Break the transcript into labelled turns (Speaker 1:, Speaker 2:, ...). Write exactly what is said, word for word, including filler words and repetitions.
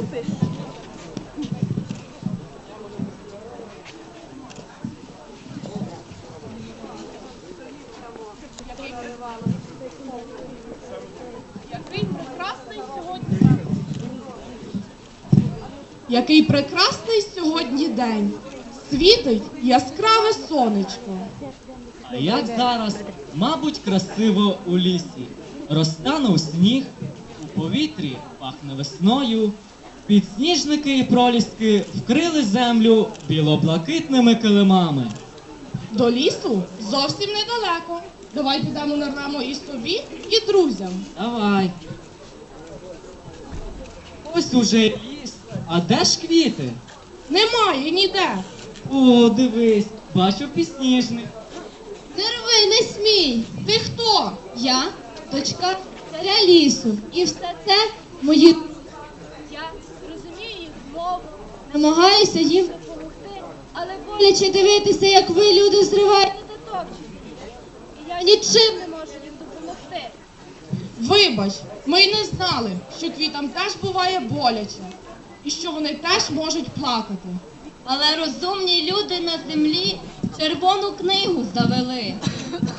Speaker 1: Який прекрасний сьогодні день. Який прекрасний сьогодні день. Світить яскраве сонечко.
Speaker 2: А як зараз, мабуть, красиво у лісі. Розтанув сніг, у повітрі пахне весною. Підсніжники і проліски вкрили землю білоблакитними килимами.
Speaker 1: До лісу зовсім недалеко. Давай підемо нарвемо і собі, і друзям.
Speaker 2: Давай. Ось уже ліс. А де ж квіти?
Speaker 1: Немає ніде.
Speaker 2: О, дивись, бачу підсніжник.
Speaker 3: Не рви, не смій!
Speaker 1: Ти хто?
Speaker 3: Я дочка царя лісу. І все це мої.
Speaker 4: Я розумію їх мову,
Speaker 3: Намагаюся їм
Speaker 4: допомогти,
Speaker 3: але боляче дивитися, як ви, люди, зриваєте.
Speaker 4: не дотопчуть. І я
Speaker 3: Нічим
Speaker 4: не можу їм допомогти.
Speaker 1: Вибач, ми й не знали, що квітам теж буває боляче. І що вони теж можуть плакати.
Speaker 3: Але розумні люди на землі червону книгу завели.